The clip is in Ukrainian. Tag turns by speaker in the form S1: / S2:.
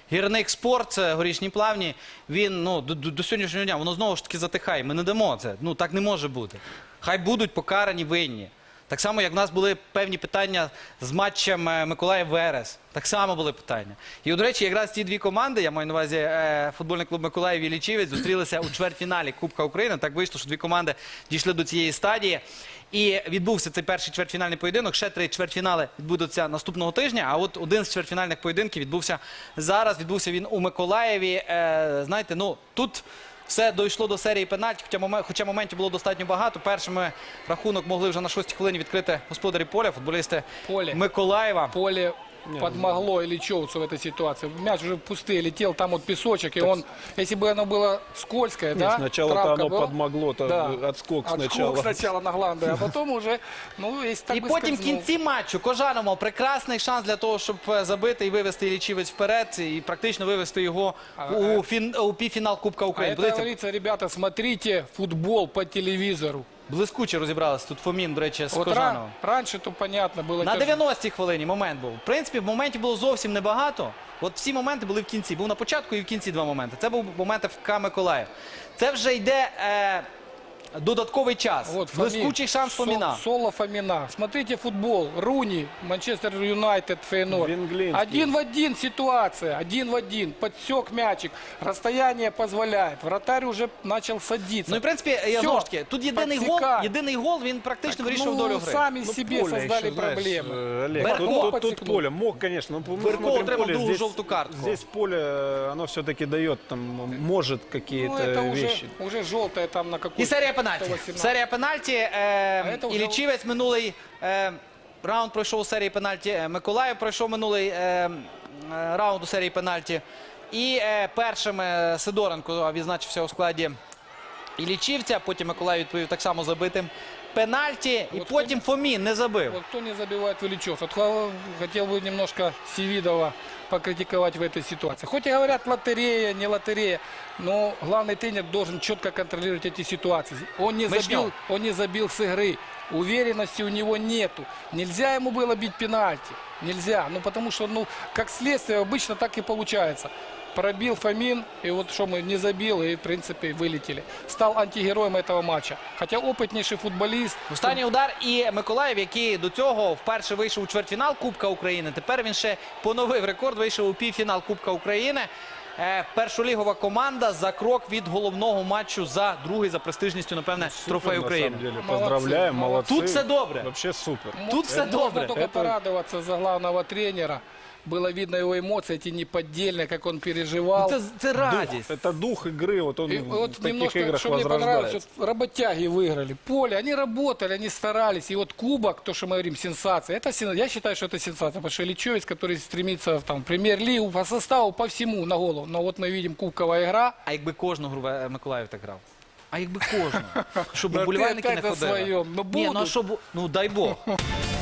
S1: Гірник Спорт, Горішні Плавні, він до сьогоднішнього дня, воно знову ж таки затихає. Ми не дамо це. Так не може бути. Хай будуть покарані винні. Так само, як в нас були певні питання з матчем Миколаїв-Верес. Так само були питання. І, до речі, якраз ці дві команди, я маю на увазі футбольний клуб Миколаїв і Лічівець, зустрілися у чвертьфіналі Кубка України. Так вийшло, що дві команди дійшли до цієї стадії. І відбувся цей перший чвертьфінальний поєдинок. Ще 3 чвертьфінали відбудуться наступного тижня. А от один з чвертьфінальних поєдинків відбувся зараз. Відбувся він у Миколаєві. Знаєте, тут все дійшло до серії пенальті, хоча моментів було достатньо багато. Першими рахунок могли вже на 6-й хвилині відкрити господарі поля, футболісти Миколаєва.
S2: Поле подмогло Ильичевцу в этой ситуации. Мяч уже пустый летел, там вот песочек, и он, если бы оно было скользкое, да,
S3: сначала оно подмогло, отскок сначала.
S2: Отскок сначала на гланды, а потом уже, если так
S1: І потім в кінці матчу Кожанов мав прекрасний шанс для того, щоб забити і вивести Іллічівець вперед, і практично вивести його у півфінал Кубка України.
S2: Это говорится, ребята, смотрите футбол по телевизору.
S1: Блискуче розібралися тут Фомін, до речі, з Кожановим.
S2: Раньше то понятно было.
S1: На 90-й хвилині момент був. В принципі, моментів було зовсім небагато. От всі моменти були в кінці. Був на початку і в кінці 2 моменти. Це був момент ФК Миколаїв. Це вже йде додатковий час. Блискучий шанс Фоміна.
S2: Соло Фомина. Смотрите футбол. Руни, Манчестер Юнайтед, Фейнорд. 1 в 1 ситуация. 1 в 1. Подсек мячик. Расстояние позволяет. Вратарь уже начал садиться.
S1: Ну і в принципі, знову ж таки, тут єдиний гол, він практично вирішив долю гри.
S2: Сами себе создали проблемы.
S3: Олег, тут поле мог, конечно.
S1: Верхов отримав другу жовту картку.
S3: Здесь поле, оно все-таки дает, там, может какие-то вещи.
S2: Уже желтое там на какую-то.
S1: І серія пенальті. Серія пенальті. Іллічівець минулий раунд пройшов у серії пенальті. Миколаїв пройшов минулий раунд у серії пенальті. І першим Сидоренко відзначився у складі Іллічівця. Потім Миколаїв відповів так само забитим пенальті. І потім Фомін не забив.
S2: Вот кто не забивает в Ильичевцев. Хотел бы немножко Севидова покритиковать в этой ситуации. Хоть и говорят лотерея, не лотерея, но главный тренер должен четко контролировать эти ситуации. Он не забил с игры. Уверенности у него нету. Нельзя ему было бить пенальти. Нельзя. Ну потому что, как следствие, обычно так и получается. Пробил Фомин, и вот что мы не забил, и в принципе вылетели. Стал антигероем этого матча. Хотя опытнейший футболист.
S1: Останній удар і Миколаїв, який до цього вперше вийшов у чвертьфінал Кубка України. Тепер він ще поновив рекорд, вийшов у півфінал Кубка України. Першолігова команда за крок від головного матчу за другий за престижністю, напевне, трофей України.
S3: Поздравляем, молодцы.
S1: Тут все добре.
S3: Вообще супер.
S1: Тут все добре.
S2: Можно только порадоваться за главного тренера. Было видно его эмоции, эти неподдельные, как он переживал.
S1: Это радость.
S3: Это дух игры, вот он в таких
S2: немножко,
S3: играх
S2: что мне понравилось,
S3: возрождается.
S2: вот работяги выиграли. Поле, они работали, они старались. И вот кубок, то, что мы говорим, сенсация. Я считаю, что это сенсация, потому что Ильичевец, который стремится в премьер-лигу, по составу, по всему на голову. Но вот мы видим кубковая игра.
S1: А якби кожну гру Миколаїв так грав? А якби кожну? Щоб вболівальники не ходили?
S2: Ні,
S1: дай Бог.